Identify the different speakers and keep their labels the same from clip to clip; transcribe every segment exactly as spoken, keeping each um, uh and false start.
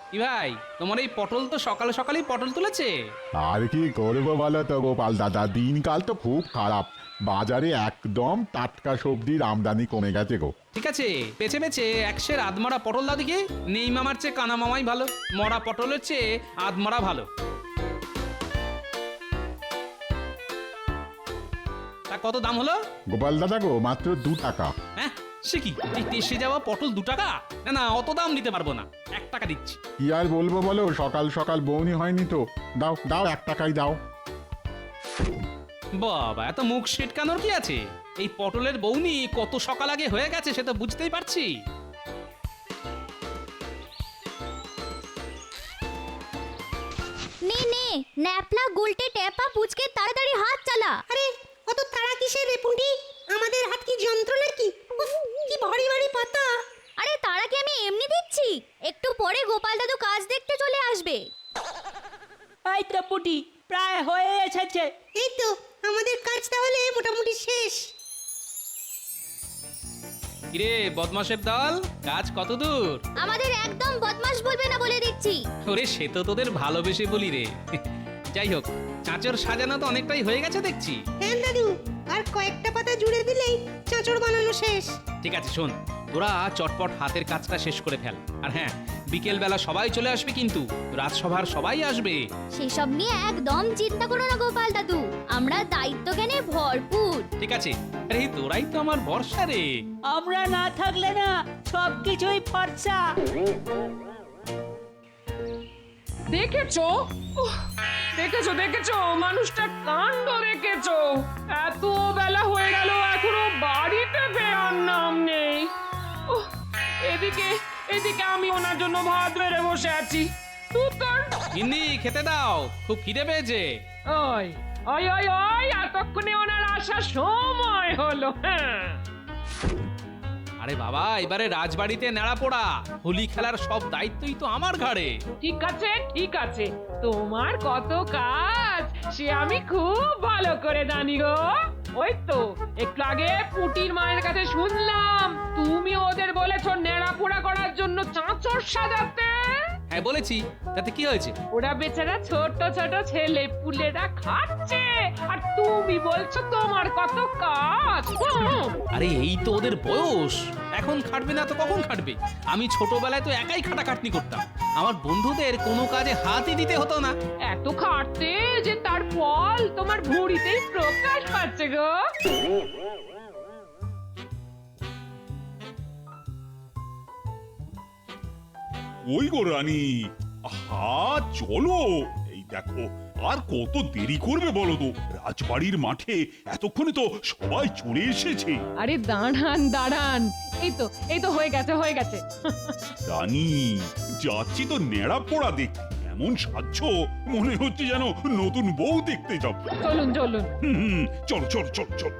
Speaker 1: কি ভাই, তোমার এই পটল তো সকাল সকালই পটল তুলেছে।
Speaker 2: আর কি করবো বলো তো গোপাল দাদা, দিনকাল তো খুব খারাপ। বাজারে একদম টাটকা সবজির আমদানি কমে গেছে গো।
Speaker 1: ঠিক আছে, বেছে বেছে একশের আধমরা পটল দাও দেখি। নেই মামার চেয়ে কানা মামাই ভালো, মরা পটলের চেয়ে আধমরা ভালো। তা কত দাম হলো?
Speaker 2: গোপাল দাদা গো, মাত্র দু টাকা।
Speaker 1: হ্যাঁ, সে কি, এই তেসে যাওয়া পটল দু টাকা? না না, অত দাম দিতে পারবো না, এক টাকা দিচ্ছি।
Speaker 2: কি আর বলবো বলো, সকাল সকাল বৌনি হয়নি তো। দাও দাও, এক টাকাই দাও।
Speaker 1: বাবা, এত মুখ সেটকানোর কি আছে? এই পটলের বৌনি কত সকাল আগে হয়ে গেছে সে তো বুঝতেই পারছি।
Speaker 3: নে নে, ন্যাপলা গুলটে টেপা পুচকে তাড়াতাড়ি হাত চালা।
Speaker 4: আরে অত তাড়া কিসের রে পুঁটি? আমাদের হাত কি যন্ত্রণা কি? উফ, কি ভারী ভারী পাতা।
Speaker 3: আরে তারা কি আমি এমনি দিচ্ছি? একটু পরে গোপাল দাদু কাজ দেখতে চলে আসবে।
Speaker 5: এই তো পুটি প্রায় হয়ে এসেছে।
Speaker 4: এই তো আমাদের কাজ তাহলে মোটামুটি শেষ।
Speaker 1: কিরে বদমাশের দল, কাজ কত দূর?
Speaker 3: আমাদের একদম বদমাশ বলবে না বলে দিচ্ছি।
Speaker 1: ওরে, সে তো তোদের ভালোবেসে বলি রে। যাই হোক, চাঁচর সাজানো তো অনেকটাই হয়ে গেছে দেখছি।
Speaker 4: হ্যাঁ দাদু, আর কয়েকটা পাতা জুড়ে দিলেই চাঁচড় বানানো শেষ।
Speaker 1: ঠিক আছে শোন, তোরা চটপট হাতের কাজটা শেষ করে ফেল। আর হ্যাঁ, বিকেল বেলা সবাই চলে আসবে কিন্তু, রাজসভার সবাই আসবে।
Speaker 3: সেসব নিয়ে একদম চিন্তা করো না গোপাল দাদু, আমরা দায়িত্ব জ্ঞানে ভরপুর।
Speaker 1: ঠিক আছে, আরে তোরাই তো আমার ভরসা রে।
Speaker 5: আমরা না থাকলে না সব কিছুই ফর্সা।
Speaker 6: দেখেছো? উহ, দেখেছো দেখেছো মানুষটা কাণ্ড দেখেছো? এত বেলা হয়ে গেল এখনো বাড়িতে ফেরার নাম নেই। উহ, এদিকে এদিকে আমি ওনার জন্য ভাত বেড়ে বসে আছি। তুই
Speaker 1: গিন্নি, খেতে দাও, খুব খিদে পেয়েছে।
Speaker 6: ওই ওই ওই ওই এতক্ষণে ওনার আসার সময় হলো। হ্যাঁ,
Speaker 1: আরে বাবা, এবারে রাজবাড়িতে নেড়া পোড়া, হোলি খেলার সব দায়িত্বই তো আমার ঘাড়ে।
Speaker 6: ঠিক আছে ঠিক আছে, তোমার কত কাজ সে আমি খুব ভালো করে জানি গো। ওই তো একটু আগে পুটির মায়ের কাছে শুনলাম তুমি ওদের বলেছো নেড়া পোড়া করার জন্য চাঁচর সাজাতে।
Speaker 1: হ্যাঁ বলেছি, তাতে কি হয়েছে?
Speaker 6: ওরা বেচারা ছোট ছোট ছেলে পুলেরা খাচ্ছে আর তুমি বলছো তোমার কত কাজ। হুম,
Speaker 1: আরে এই তো ওদের বয়স, এখন খাটবে না তো কখন খাটবে? আমি ছোটবেলায় তো একাই খাটাখাটনি করতাম, আমার বন্ধুদের কোনো কাজে হাতই দিতে হতো না।
Speaker 6: এত খাটতে যে তার ফল তোমার ভুঁড়িতেই প্রকাশ পাচ্ছে গো।
Speaker 7: ওই গো রানী, আহা চলো। এই দেখো, আর কত দেরি করবে বলো তো? রাজবাড়ির মাঠে এতক্ষণে তো সবাই চলে এসেছে।
Speaker 6: আরে দাঁড়ান দাঁড়ান, এই তো এই তো হয়ে গেছে হয়ে গেছে।
Speaker 7: রানী, যাচ্ছি তো নেড়া পোড়া দেখতে, এমন সাজছ মনে হচ্ছে যেন নতুন বউ দেখতে যাব।
Speaker 6: চলুন চলুন।
Speaker 7: হুম হুম, চলো চলো চলো চলো।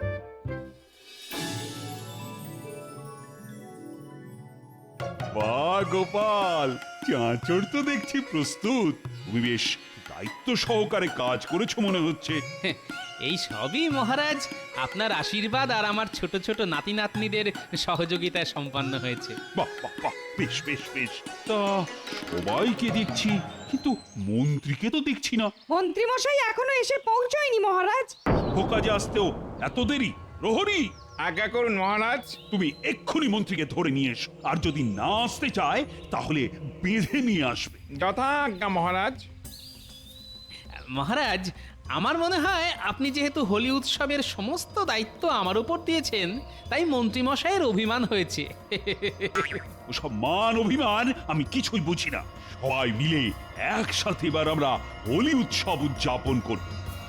Speaker 7: বাহ গোপাল, চাঁচড় তো দেখছি প্রস্তুত। তুমি বেশ দায়িত্ব সহকারে কাজ করেছো মনে হচ্ছে।
Speaker 1: এই সবই মহারাজ আপনার আশীর্বাদ আর আমার ছোট ছোট নাতি নাতনিদের সহযোগিতায় সম্পন্ন হয়েছে।
Speaker 7: বাহ বাহ বাহ, বেশ বেশ বেশ। তা সবাইকে দেখছি, কিন্তু মন্ত্রীকে তো দেখছি না।
Speaker 4: মন্ত্রী মশাই এখনো এসে পৌঁছয়নি মহারাজ।
Speaker 7: কাজে আসতেও এত দেরি? প্রহরী,
Speaker 8: আজ্ঞা করুন মহারাজ।
Speaker 7: তুমি এক্ষুনি মন্ত্রীকে ধরে নিয়ে এসো, আর যদি না আসতে চায় তাহলে বেঁধে নিয়ে আসবে।
Speaker 8: যথা আজ্ঞা মহারাজ।
Speaker 1: মহারাজ, আমার মনে হয় আপনি যেহেতু হোলি উৎসবের সমস্ত দায়িত্ব আমার উপর দিয়েছেন, তাই মন্ত্রীমশাইয়ের অভিমান হয়েছে।
Speaker 7: ওসব মান অভিমান আমি কিছুই বুঝি না। সবাই মিলে একসাথে এবার আমরা হোলি উৎসব উদযাপন করব।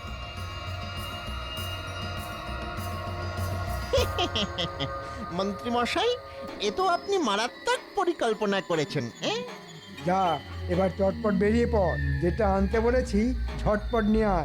Speaker 9: মন্ত্রী মশাই, এ তো আপনি মারাত্মক পরিকল্পনা করেছেন।
Speaker 10: যা, এবার চটপট বেরিয়ে পড়, যেটা আনতে বলেছি ঝটপট নিয়ে আয়।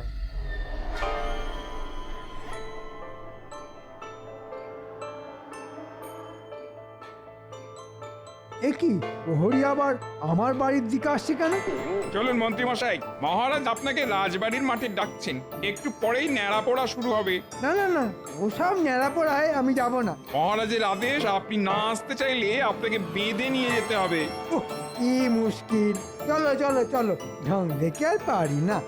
Speaker 10: এ কি প্রহরী আবার আমার বাড়ির দিকে আসছে কেন?
Speaker 8: চলুন মন্ত্রী মশাই, মহারাজ আপনাকে রাজবাড়ির মাঠে ডাকছেন। একটু পরেই ন্যাড়া পোড়া শুরু হবে।
Speaker 10: না না না, ওসব ন্যাড়া পড়ায় আমি যাব না।
Speaker 8: মহারাজের আদেশ, আপনি না আসতে চাইলে আপনাকে বেঁধে নিয়ে যেতে হবে।
Speaker 10: উহ, কি মুশকিল। চলো চলো চলো, ঢং দেখে আর পারি না।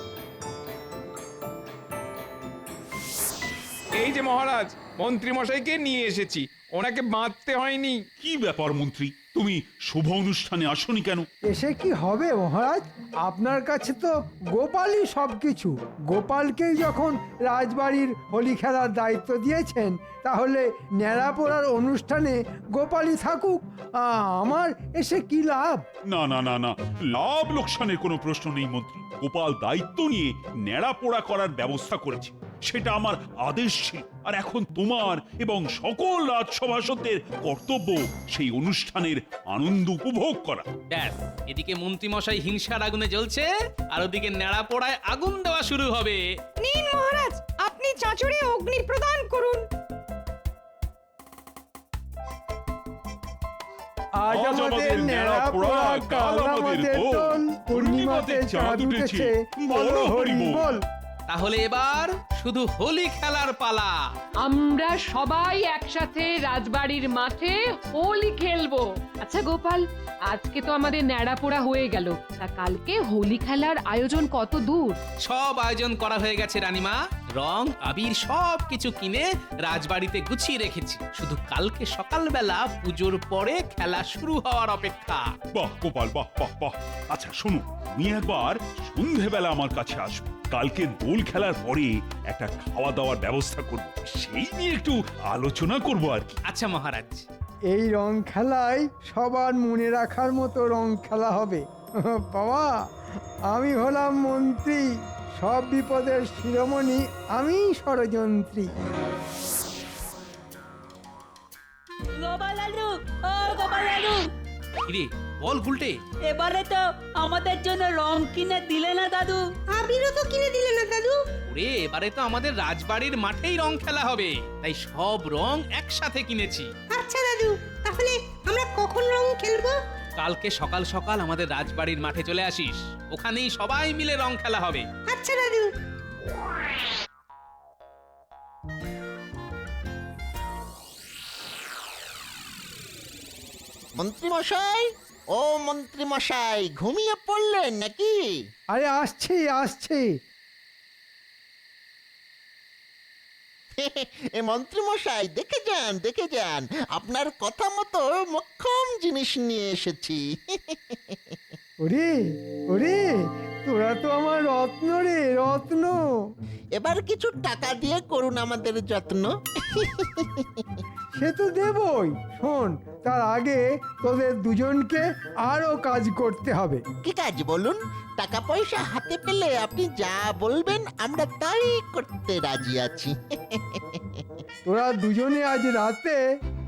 Speaker 8: এই যে মহারাজ, মন্ত্রী মশাইকে নিয়ে এসেছি। ওনাকে বাঁধতে হয়নি।
Speaker 7: কি ব্যাপার মন্ত্রী, তুমি শুভ অনুষ্ঠানে আসনি কেন?
Speaker 10: এসে কি হবে মহারাজ, আপনার কাছে তো গোপালই সবকিছু। গোপালকেই যখন রাজবাড়ির হোলি খেলার দায়িত্ব দিয়েছেন, তাহলে ন্যাড়া পোড়ার অনুষ্ঠানে গোপালই থাকুক। আ, আমার এসে কি লাভ?
Speaker 7: না না না না, লাভ লোকসানের কোনো প্রশ্ন নেই মন্ত্রী। গোপাল দায়িত্ব নিয়ে ন্যাড়া পোড়া করার ব্যবস্থা করেছে, সেটা আমার আদেশ ছিল। আর এখন তোমার এবং সকল রাজসভাসদের কর্তব্য সেই অনুষ্ঠানের আনন্দ উপভোগ করা।
Speaker 1: ব্যাস, এদিকে মন্ত্রীমশাই হিংসার আগুনে জ্বলছে, আর ওদিকে নেড়া পোড়ায় আগুন দেওয়া শুরু হবে।
Speaker 4: নিন মহারাজ, আপনি চাঁচড়ে অগ্নি প্রদান করুন।
Speaker 10: আজ আমাদের ন্যাড়া পোড়া, কাল আমাদের দোল, পূর্ণিমাতে চাঁদ উঠেছে, বলো হরি বল।
Speaker 1: তাহলে এবার শুধু হোলি খেলার পালা।
Speaker 6: আমরা সবাই একসাথে রাজবাড়ির মাঠে হোলি খেলবো। আচ্ছা গোপাল, আজকে তো আমাদের ন্যাড়াপোড়া হয়ে গেল, তা কালকে হোলি খেলার আয়োজন কত দূর?
Speaker 1: সব আয়োজন করা হয়ে গেছে রানীমা। রং আবির সব কিছু কিনে রাজবাড়িতে গুছিয়ে রেখেছি, শুধু কালকে সকালবেলা পুজোর পরে খেলা শুরু হওয়ার অপেক্ষা।
Speaker 7: বাহ গোপাল, বাহ বাহ বাহ। আচ্ছা শোনো, তুমি একবার সন্ধেবেলা আমার কাছে আসবে। কালকে দোল খেলার পরে একটা খাওয়া দাওয়ার ব্যবস্থা করব, সেই নিয়ে একটু আলোচনা করব আর কি।
Speaker 1: আচ্ছা মহারাজ।
Speaker 10: এই রং খেলায় সবার মনে রাখার মতো রং খেলা হবে। বাবা, আমি হলাম মন্ত্রী, সব বিপদের শিরোমণি আমি ষড়যন্ত্রী।
Speaker 5: গোপাল দাদু, ও গোপাল দাদু,
Speaker 1: কিরে বল গুলটে,
Speaker 5: এবারে তো আমাদের জন্য রং কিনে দিলে না দাদু?
Speaker 4: আবিরও তো কিনে দিলে না দাদু।
Speaker 1: ওরে এবারে তো আমাদের রাজবাড়ির মাঠেই রং খেলা হবে, তাই সব রং একসাথে কিনেছি।
Speaker 4: আচ্ছা দাদু, তাহলে আমরা কখন রং খেলবো?
Speaker 1: কালকে সকাল সকাল আমাদের রাজবাড়ির মাঠে চলে আসিস, ওখানেই সবাই মিলে রং খেলা হবে।
Speaker 4: আচ্ছা দাদু।
Speaker 9: মন্ত্রী মশাই, ও মন্ত্রী মশাই, ঘুমিয়ে পড়লেন নাকি?
Speaker 10: আরে আসছি আসছি।
Speaker 9: এ মন্ত্রী মশাই, দেখে যান দেখে যান, আপনার কথা মতো মক্ষম জিনিস নিয়ে এসেছি।
Speaker 10: ওরে ওরে, তোরা তো আমার রত্ন রে, রত্ন।
Speaker 9: এবার কিছু টাকা দিয়ে করুন আমাদের যত্ন।
Speaker 10: সে তো দেবই। শোন, তার আগে তোদের দুজনকে আরো কাজ করতে হবে।
Speaker 9: কি কাজ বলুন? টাকা পয়সা হাতে পেলে আপনি যা বলবেন আমরা তাই করতে রাজি আছি।
Speaker 10: তোরা দুজনে আজ রাতে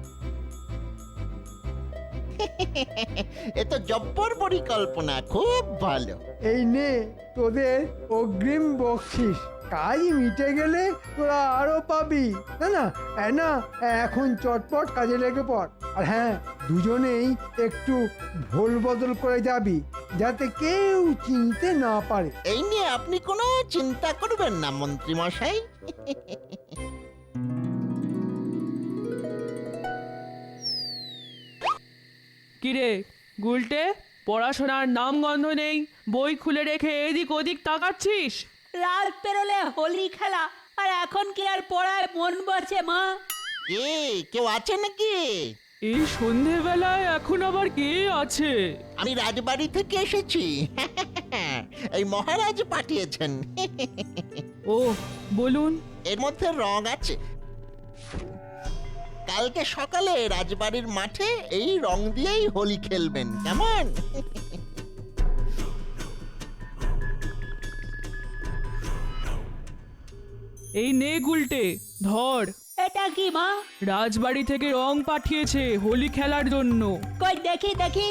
Speaker 9: এ তো জব্বর পরিকল্পনা, খুব ভালো।
Speaker 10: এই নে তোদের অগ্রিম বকশিস। কাজ মিটে গেলে তোরা আরো পাবি। না না এ না, এখন চটপট কাজে লেগে পড়। আর হ্যাঁ, দুজনেই একটু ভোল বদল করে যাবি, যাতে কেউ চিনতে না পারে।
Speaker 9: এই নিয়ে আপনি কোনো চিন্তা করবেন না মন্ত্রী মশাই।
Speaker 5: কিরে গুলটে, পড়াশোনার নাম গন্ধ নেই, বই খুলে রেখে এদিক ওদিক তাকাচ্ছিস? রাত পেরোলে হোলি খেলা, আর এখন কি আর পড়ায় মন বসে মা?
Speaker 9: কে কেউ আছে নাকি?
Speaker 5: এই সন্ধেবেলায় এখন আবার কে আছে?
Speaker 9: আমি রাজবাড়ি থেকে এসেছি। এই মহারাজ পাঠিয়েছেন।
Speaker 5: ও বলুন।
Speaker 9: এর মধ্যে রং আছে। কালকে সকালে রাজবাড়ির মাঠে এই রং দিয়েই হোলি খেলবেন, কেমন?
Speaker 5: এই নে গুলটে, ধর। এটা কি মা? রাজবাড়ি থেকে রং পাঠিয়েছে হোলি খেলার জন্য। কই দেখি দেখি।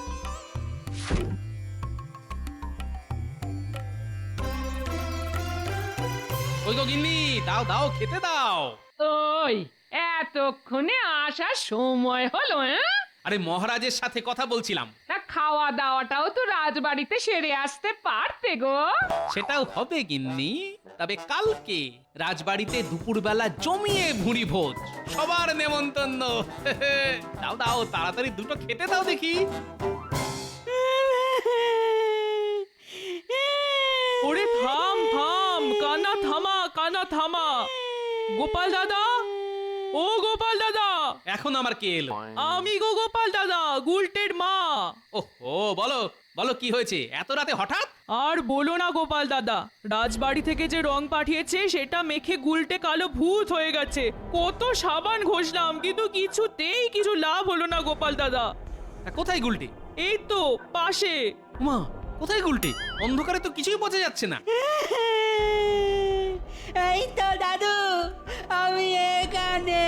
Speaker 1: ওই গো গিন্নি, দাও দাও, খেতে দাও।
Speaker 6: ওই এতক্ষণে আসার সময় হলো? হ্যাঁ,
Speaker 1: আরে মহারাজের সাথে কথা বলছিলাম।
Speaker 6: না খাওয়া দাওয়াটাও তো রাজবাড়িতে সেরে আসতে পারতে গো।
Speaker 1: সেটাও হবে গিন্নি, তবে কালকে রাজবাড়িতে দুপুরবেলা জমিয়ে ভুঁড়ি ভোজ, সবার নেমন্তন্ন। দাও দাও তাড়াতাড়ি দুটো খেতে দাও দেখি।
Speaker 5: ওরে থাম থাম, কানা থামা কানা থামা। গোপাল দাদা, ও গোপাল দাদা।
Speaker 1: এখন আমার কে এলো?
Speaker 5: আমি গো গোপাল দাদা, গুলটের মা।
Speaker 1: ওহো, বলো বলো কি হয়েছে এত রাতে হঠাৎ?
Speaker 5: আর বলো না গোপাল দাদা, রাজবাড়ি থেকে যে রং পাঠিয়েছে সেটা মেখে গুলটে কালো ভূত হয়ে গেছে। কত সাবান ঘষলাম কিন্তু কিছুতেই কিছু লাভ হলো না গোপাল দাদা।
Speaker 1: তা কোথায় গুলটে?
Speaker 5: এই তো পাশে।
Speaker 1: মা, কোথায় গুলটে? অন্ধকারে তো কিছুই বোঝা যাচ্ছে না।
Speaker 4: এই তো দাদু, আমি এখানে।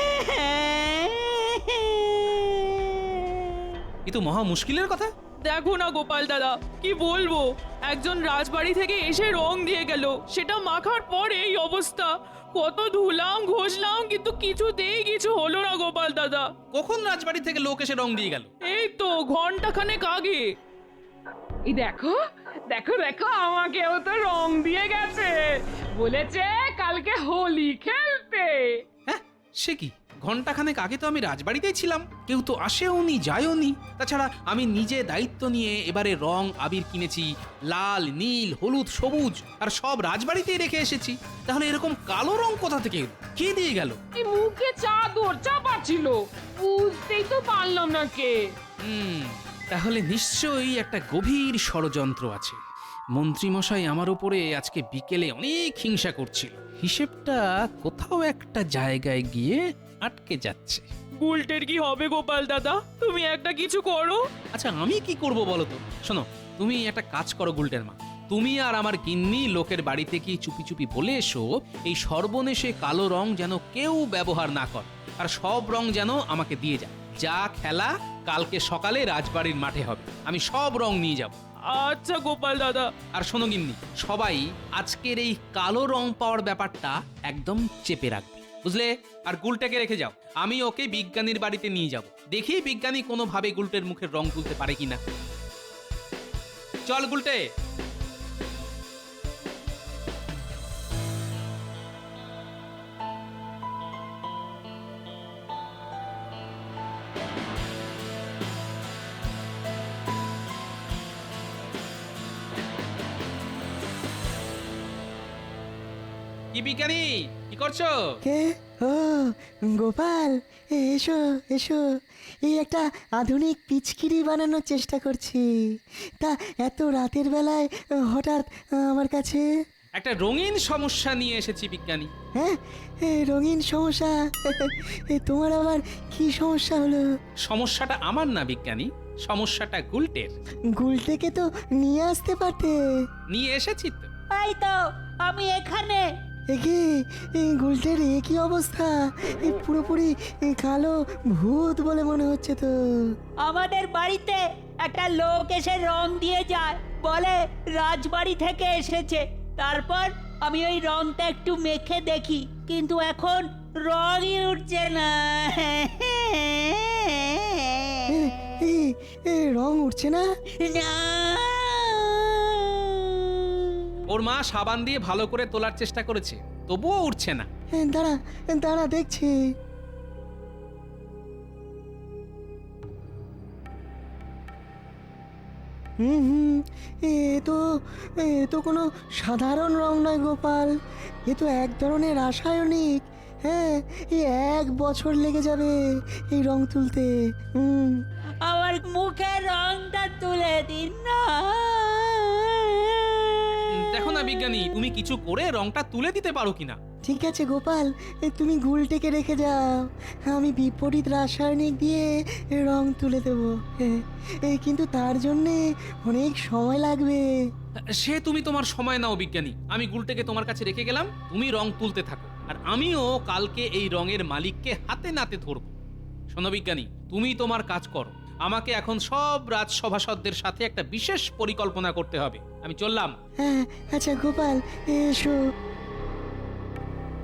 Speaker 1: এ তো মহা মুশকিলের কথা।
Speaker 5: দেখো না গোপাল দাদা, কি বলবো, একজন রাজবাড়ি থেকে এসে রং দিয়ে গেল, সেটা মাখার পর এই অবস্থা। কত ধুলাম ঘষলাম কিন্তু কিছুতেই কিছু হলো না গোপাল দাদা।
Speaker 1: কখন রাজবাড়ি থেকে লোক এসে রং দিয়ে গেল?
Speaker 5: এই তো ঘন্টা খানেক আগে।
Speaker 6: এই দেখো দেখো দেখো, আমাকেও তো রং দিয়ে গেছে, বলেছে কালকে হোলি খেলতে।
Speaker 1: হ্যাঁ, সে কি? ঘন্টাখানেক আগে তো আমি রাজবাড়িতেই ছিলাম, কেউ তো আসেওনি যায়ওনি। তাছাড়া আমি নিজে দায়িত্ব নিয়ে এবারে রং আবির কিনেছি, লাল নীল হলুদ সবুজ, আর সব রাজবাড়িতেই রেখে এসেছি। তাহলে এরকম কালো রং কোথা থেকে এলো? কে দিয়ে গেল?
Speaker 6: এই মুখে চাদর চাপা ছিল, বুঝতেই তো পারলাম না কে।
Speaker 1: হুম, তাহলে নিশ্চয়ই একটা গভীর ষড়যন্ত্র আছে। মন্ত্রীমশাই আমার উপরে আজকে বিকেলে অনেক হিংসা করছিল। হিসেবটা কোথাও একটা জায়গায় গিয়ে আটকে যাচ্ছে।
Speaker 5: গুলটের কি হবে গোপাল দাদা? তুমি একটা কিছু করো।
Speaker 1: আচ্ছা, আমি কি করব বলো তো? শোনো, তুমি একটা কাজ করো গুলটের মা, তুমি আর আমার গিন্নি লোকের বাড়িতে কি চুপি চুপি বলে এসো এই সর্বনেশে কালো রং যেন কেউ ব্যবহার না করে, আর সব রং যেন আমাকে দিয়ে যায়। যা খেলা কালকে সকালে রাজবাড়ির মাঠে হবে, আমি সব রং নিয়ে যাব।
Speaker 5: আচ্ছা গোপাল দাদা।
Speaker 1: আর শোনো গিন্নি, সবাই আজকের এই কালো রং পাওয়ার ব্যাপারটা একদম চেপে রাখবে, বুঝলে? আর গুলটাকে রেখে যাও, আমি ওকে বিজ্ঞানীর বাড়িতে নিয়ে যাব, দেখি বিজ্ঞানী কোনোভাবে গুলটের মুখের রং তুলতে পারে কিনা। চল গুলটে। কি বিজ্ঞানী, কি করছো?
Speaker 11: কে? ও গোপাল, এসো এসো, এই একটা আধুনিক পিচকিরি বানানোর চেষ্টা করছি। তা এত রাতের বেলায় হঠাৎ আমার কাছে?
Speaker 1: একটা রঙিন সমস্যা নিয়ে এসেছি বিজ্ঞানী।
Speaker 11: হ্যাঁ, এ, রঙিন সমস্যা? এ, তোমার আবার কি সমস্যা হলো?
Speaker 1: সমস্যাটা আমার না বিজ্ঞানী, সমস্যাটা গুলটের।
Speaker 11: গুলটেকে তো নিয়ে আসতে পারতে।
Speaker 1: নিয়ে এসেছি তো।
Speaker 4: এই তো আমি এখানে।
Speaker 11: একে গুলটের এ কি অবস্থা? এ পুরোপুরি এ, কালো ভূত বলে মনে হচ্ছে তো।
Speaker 4: আমাদের বাড়িতে একটা লোক এসে রং দিয়ে যায়, বলে রাজবাড়ি থেকে এসেছে। তারপর আমি ওই রংটা একটু মেখে দেখি, কিন্তু এখন রঙই উঠছে না।
Speaker 11: এ, এ, এ, রং উঠছে না?
Speaker 4: না।
Speaker 1: ওর মা সাবান দিয়ে ভালো করে তোলার চেষ্টা করেছে, তবুও উঠছে না।
Speaker 11: এ, দাঁড়া দাঁড়া দেখছি। হুম হুম এ তো এ তো কোনো সাধারণ রং নয় গোপাল, এ তো এক ধরনের রাসায়নিক। হ্যাঁ, এই এক বছর লেগে যাবে এই রং তুলতে। হুম,
Speaker 4: আমার মুখের রংটা তুলে দিন না।
Speaker 1: দেখো না বিজ্ঞানী, তুমি কিছু করে রংটা তুলে দিতে পারো কিনা।
Speaker 11: ঠিক আছে গোপাল, এ, তুমি গুলটেকে রেখে যাও, আমি বিপরীত রাসায়নিক দিয়ে রং তুলে দেবো। হ্যাঁ, এ, কিন্তু তার জন্যে অনেক সময় লাগবে।
Speaker 1: সে তুমি তোমার সময় নাও বিজ্ঞানী, আমি গুলটেকে তোমার কাছে রেখে গেলাম, তুমি রং তুলতে থাকো, আর আমিও কালকে এই রঙের মালিককে হাতে নাতে ধরবো। শোনো বিজ্ঞানী, তুমি তোমার কাজ করো, আমাকে এখন সব রাজসভাসদদের সাথে একটা বিশেষ পরিকল্পনা করতে হবে। আমি চললাম।
Speaker 11: হ্যাঁ, আচ্ছা গোপাল, এসো।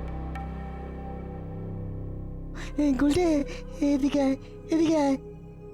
Speaker 11: এই গুলটে, এদিকে আয়, এদিকে আয়।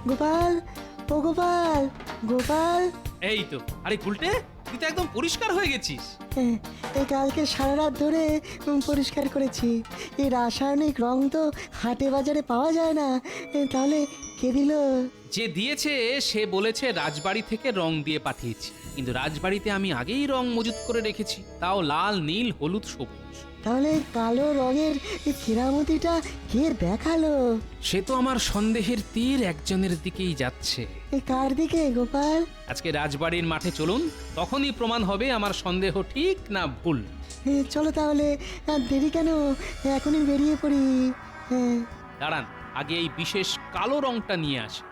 Speaker 11: গোপাল ও গোপাল গোপাল
Speaker 1: এই তো, আরে গুলটে, তুই তো একদম পরিষ্কার হয়ে গেছিস।
Speaker 11: হ্যাঁ, এই কালকে সারা রাত ধরে উম, পরিষ্কার করেছি। এই রাসায়নিক রং তো হাটে বাজারে পাওয়া যায় না। এ, তাহলে কে দিল?
Speaker 1: যে দিয়েছে সে বলেছে রাজবাড়ি থেকে রং দিয়ে পাঠিয়েছি, কিন্তু রাজবাড়িতে আমি আগেই রং মজুত করে রেখেছি, তাও লাল, নীল, হলুদ, সবুজ।
Speaker 11: তাহলে এই কালো রঙের এই কেরামতিটা কে দেখালো?
Speaker 1: সে তো আমার সন্দেহের তীর একজনের দিকেই যাচ্ছে।
Speaker 11: এই কার দিকে গোপাল?
Speaker 1: আজকে রাজবাড়ির মাঠে চলুন, তখনই প্রমাণ হবে আমার সন্দেহ ঠিক না ভুল।
Speaker 11: এ, চলো তাহলে, আর দেরি কেন, এখনই বেরিয়ে পড়ি। হ্যাঁ।
Speaker 1: দাঁড়ান, আগে এই বিশেষ কালো রংটা নিয়ে আসি।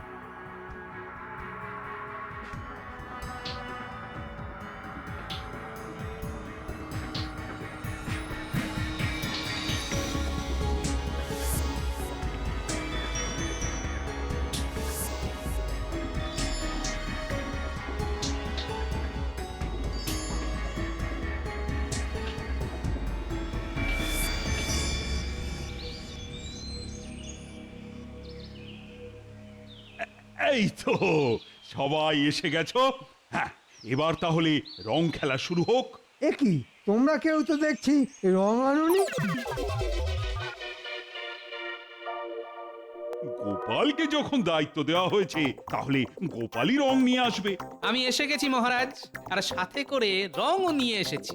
Speaker 7: এই তো সবাই এসে গেছো। হ্যাঁ, এবার তাহলে রং খেলা শুরু হোক।
Speaker 10: এ কি, তোমরা কেউ তো দেখছি রং আনুনি?
Speaker 7: গোপালকে যখন দায়িত্ব দেওয়া হয়েছে, তাহলে গোপালই রং নিয়ে আসবে।
Speaker 1: আমি এসে গেছি মহারাজ, আর সাথে করে রংও নিয়ে এসেছি।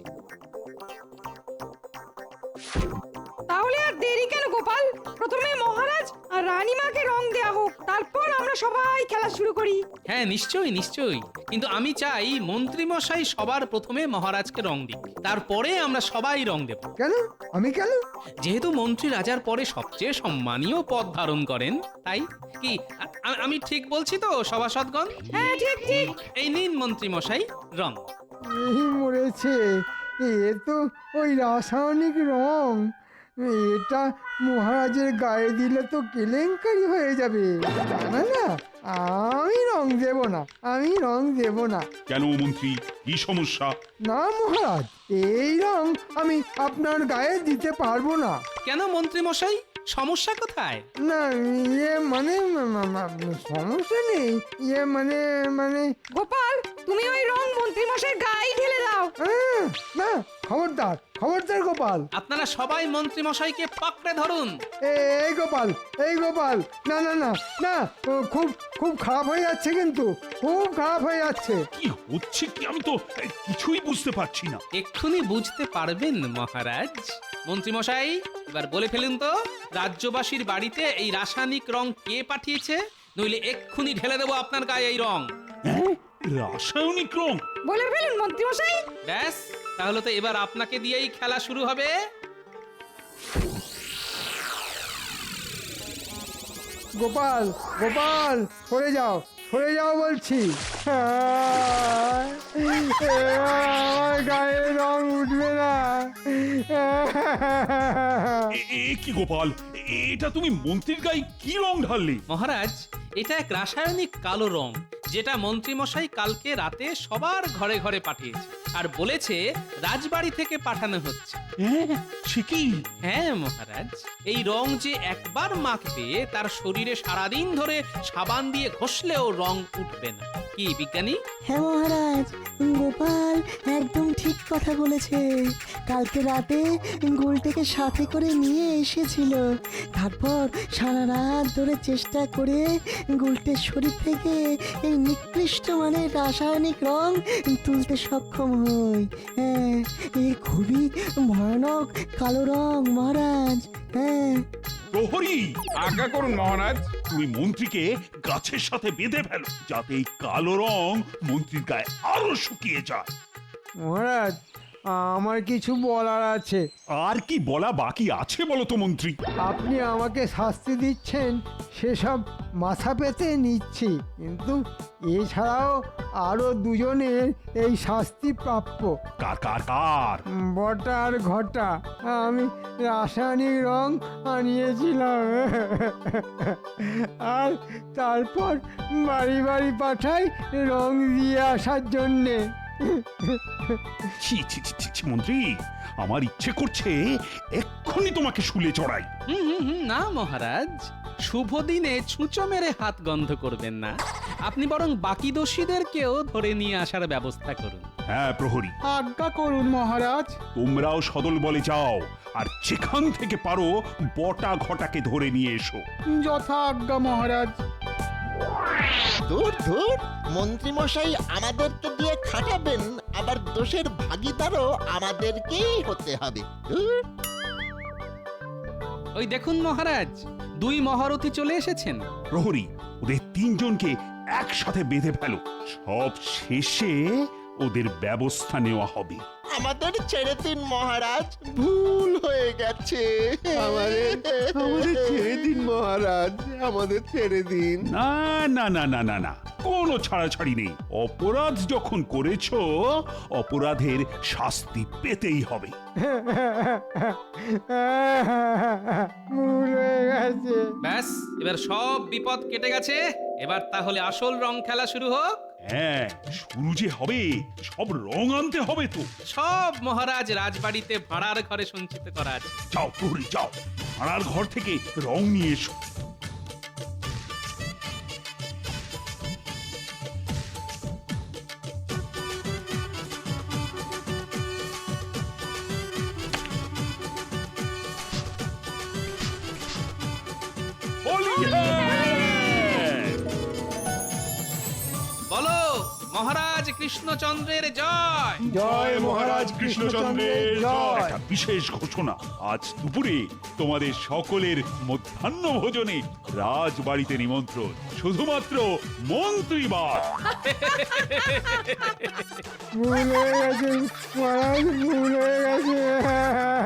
Speaker 6: তাহলে আর দেরি কেন গোপাল, প্রথমে মহারাজ আর রানীমাকে রং দেয়া হোক, তারপর আমরা সবাই খেলা শুরু করি।
Speaker 1: হ্যাঁ, নিশ্চয়ই নিশ্চয়ই, কিন্তু আমি চাই মন্ত্রী মশাই সবার প্রথমে মহারাজকে রং দিক, তারপরে আমরা সবাই রং দেব।
Speaker 10: কেন? আমি কেন?
Speaker 1: যেহেতু মন্ত্রী রাজার পরে সবচেয়ে সম্মানীয় পদ ধারণ করেন, তাই কি আ- আমি ঠিক বলছি তো সভাসদগণ?
Speaker 6: হ্যাঁ, ঠিক ঠিক।
Speaker 1: এই নিন মন্ত্রী মশাই রং।
Speaker 10: এই মরেছে, এ তো ওই রাসায়নিক রং। এটা মহারাজের গায়ে দিলে তো কেলেঙ্কারি হয়ে যাবে। না না, আমি রং দেব না, আমি রং দেব না।
Speaker 7: কেন মন্ত্রী, কি সমস্যা?
Speaker 10: না মহারাজ, এই রং আমি আপনার গায়ে দিতে পারবো না।
Speaker 1: কেন মন্ত্রী মশাই, সমস্যা কোথায়?
Speaker 10: না, ইয়ে মানে মা- মা- মা- সমস্যা নেই, ইয়ে মানে মানে
Speaker 6: গোপাল, তুমি ওই রং মন্ত্রী মশাই গায়ে ঢেলে দাও।
Speaker 10: আহ, না, খবরদার খবরদার গোপাল।
Speaker 1: আপনারা সবাই মন্ত্রী মশাইকে পাকড়ে ধরুন।
Speaker 10: এ- এই গোপাল, এই গোপাল, না না না না, ও খুব খুব খারাপ হয়ে যাচ্ছে, কিন্তু খুব খারাপ হয়ে যাচ্ছে।
Speaker 7: কি হচ্ছে কি আমি তো এ, কিছুই বুঝতে পারছি না।
Speaker 1: এক্ষুনি বুঝতে পারবেন মহারাজ। মন্ত্রী মশাই, এবার বলে ফেলুন তো, রাজ্যবাসীর বাড়িতে এই রাসায়নিক রং কে পাঠিয়েছে? নইলে এক্ষুনি ঢেলে দেবো আপনার গায়ে এই রং।
Speaker 7: হ্যাঁ, রাসায়নিক রং?
Speaker 6: বলে ফেলুন মন্ত্রী মশাই।
Speaker 1: ব্যাস, তাহলে তো এবার আপনাকে দিয়েই খেলা শুরু হবে।
Speaker 10: গোপাল, গোপাল, সরে যাও, সরে যাও বলছি। আহ, আমার গায়ে রং উঠবে না।
Speaker 7: এ- এ কি গোপাল, এ- এটা তুমি মন্ত্রীর গায়ে কি রং ঢাললে?
Speaker 1: মহারাজ, এটা এক রাসায়নিক কালো রং, যেটা মন্ত্রী মশাই কালকে রাতে সবার ঘরে ঘরে পাঠিয়েছে, আর বলেছে রাজবাড়ি থেকে পাঠানো হচ্ছে।
Speaker 7: হ্যাঁ, সে কি?
Speaker 1: হ্যাঁ মহারাজ, এই রং যে একবার মাখবে তার শরীরে সারাদিন ধরে সাবান দিয়ে ঘষলেও রং উঠবে না। কি বিজ্ঞানী?
Speaker 11: হ্যাঁ মহারাজ, গোপাল একদম ঠিক কথা বলেছে। কালকে রাতে গুলটেকে সাথে করে নিয়ে এসেছিল, তারপর সারা রাত ধরে চেষ্টা করে গুলটের শরীর থেকে এই নিকৃষ্ট মানের রাসায়নিক রং তুলতে সক্ষম হই। হ্যাঁ, এই খুবই ভয়ানক কালো রং মহারাজ। হ্যাঁ।
Speaker 7: প্রহরী,
Speaker 8: আজ্ঞা করুন মহারাজ।
Speaker 7: তুমি মন্ত্রীকে গাছের সাথে বেঁধে ফেলো, যাতে এই কালো রং মন্ত্রীর গায়ে আরো শুকিয়ে যায়।
Speaker 10: মহারাজ, আমার কিছু বলার আছে।
Speaker 7: আর কি বলা বাকি আছে বলো তো মন্ত্রী?
Speaker 10: আপনি আমাকে শাস্তি দিচ্ছেন সেসব মাথা পেতে নিচ্ছি, কিন্তু এছাড়াও আরো দুজনের এই শাস্তি প্রাপ্য।
Speaker 7: কার কার কার?
Speaker 10: বটা আর ঘটা। আমি রাসায়নিক রং আনিয়েছিলাম, আর তারপর বাড়ি বাড়ি পাঠাই রং দিয়ে আসার জন্যে।
Speaker 7: ছি ছি ছি ছি, ছি, মন্ত্রী, আমার ইচ্ছে করছে এক্ষুনি তোমাকে শুলে চড়াই।
Speaker 1: হুম হুম হুম, না মহারাজ, শুভ দিনে ছুঁচো মেরে হাত গন্ধ করবেন না, আপনি বরং বাকি দোষীদেরকেও ধরে নিয়ে আসার ব্যবস্থা করুন।
Speaker 7: হ্যাঁ প্রহরী,
Speaker 10: আজ্ঞা করুন মহারাজ।
Speaker 7: তোমরাও সদল বলে যাও, আর যেখান থেকে পারো বটা ঘটাকে ধরে নিয়ে এসো।
Speaker 10: যথা আজ্ঞা মহারাজ।
Speaker 9: দূর দূর মন্ত্রী মশাই আমাদেরকে দিয়ে খাটাবেন, আবার দোষের ভাগিদারও আমাদেরকেই হতে হবে। ধুর।
Speaker 1: ওই দেখুন মহারাজ, দুই মহারথী চলে এসেছেন।
Speaker 7: প্রহরী, ওদের তিনজনকে একসাথে বেঁধে ফেলো, সব শেষে ওদের ব্যবস্থা নেওয়া হবে।
Speaker 9: আমাদের ছেড়ে দিন মহারাজ, ভুল হয়ে গেছে।
Speaker 12: আমাদের আমাদের ছেড়ে দিন মহারাজ, আমাদের ছেড়ে দিন।
Speaker 7: না না না না না না, কোনো ছাড়াছাড়ি নেই। অপরাধ যখন করেছো, অপরাধের শাস্তি পেতেই হবে।
Speaker 10: ভুল হয়ে গেছে।
Speaker 1: ব্যাস, এবার সব বিপদ কেটে গেছে। এবার তাহলে আসল রং খেলা শুরু হোক।
Speaker 7: হ্যাঁ, শুরু যে হবে, সব রং আনতে হবে তো।
Speaker 1: সব মহারাজ রাজবাড়িতে ভাড়ার ঘরে সঞ্চিত করা আছে।
Speaker 7: যাও প্রহরী, যাও, ভাড়ার ঘর থেকে রং নিয়ে এসো। হোলি হ্যায়!
Speaker 1: বলো মহারাজ কৃষ্ণচন্দ্রের জয়।
Speaker 10: জয় মহারাজ কৃষ্ণচন্দ্রের জয়।
Speaker 7: একটা বিশেষ ঘোষণা, আজ দুপুরে তোমাদের সকলের মধ্যাহ্ন ভোজনে রাজবাড়িতে নিমন্ত্রণ, শুধুমাত্র মন্ত্রীবার।
Speaker 10: ভুল হয়ে গেছে মহারাজ, ভুল হয়ে গেছে।